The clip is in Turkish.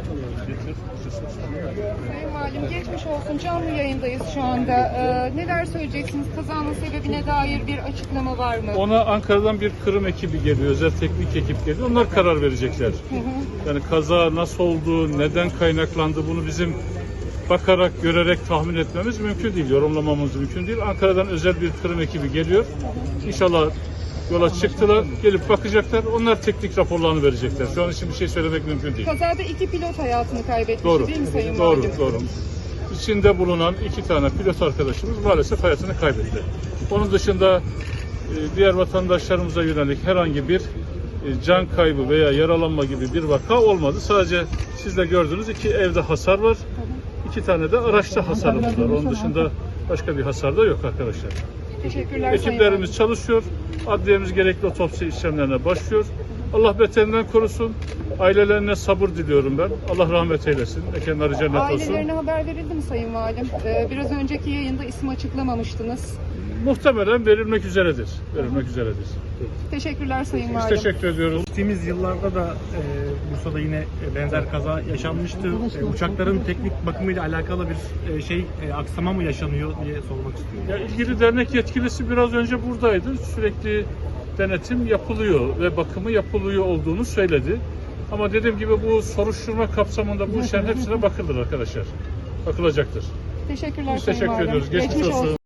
Sayın Valim, geçmiş olsun. Canlı yayındayız şu anda. Neler söyleyeceksiniz? Kazanın sebebine dair bir açıklama var mı? Ona Ankara'dan bir kırım ekibi geliyor, özel teknik ekip geliyor. Onlar karar verecekler. Yani kaza nasıl oldu, neden kaynaklandı, bunu bizim bakarak, görerek tahmin etmemiz mümkün değil, yorumlamamız mümkün değil. Ankara'dan özel bir kırım ekibi geliyor. İnşallah yola çıktılar, gelip bakacaklar. Onlar teknik raporlarını verecekler. Şu an için bir şey söylemek mümkün değil. Kazada 2 pilot hayatını kaybetmiş, Doğru, değil mi Sayın doğru, Valim? doğru. İçinde bulunan 2 tane pilot arkadaşımız maalesef hayatını kaybetti. Onun dışında diğer vatandaşlarımıza yönelik herhangi bir can kaybı veya yaralanma gibi bir vaka olmadı. Sadece siz de gördünüz 2 evde hasar var. 2 tane de araçta hasarımız var. Onun dışında başka bir hasar da yok arkadaşlar. Teşekkürler Ekiplerimiz çalışıyor. Adliyemiz gerekli otopsi işlemlerine başlıyor. Allah beterinden korusun. Ailelerine sabır diliyorum ben. Allah rahmet eylesin. Mekanları cennet olsun. Ailelerine haber verildi mi Sayın Valim? Biraz önceki yayında isim açıklamamıştınız. Muhtemelen verilmek üzeredir. Verilmek üzeredir. Teşekkürler Sayın Biz Valim. teşekkür ediyoruz. Geçtiğimiz yıllarda da Bursa'da yine benzer kaza yaşanmıştı. Uçakların teknik bakımıyla alakalı bir aksama mı yaşanıyor diye sormak istiyorum. Ya, ilgili dernek yetkilisi biraz önce buradaydı. Sürekli denetim yapılıyor ve bakımı yapılıyor olduğunu söyledi. Ama dediğim gibi bu soruşturma kapsamında bu işlerin hepsine bakılır arkadaşlar. Bakılacaktır. Teşekkürler Biz Sayın teşekkür Valim. ediyoruz. Geçmiş olsun.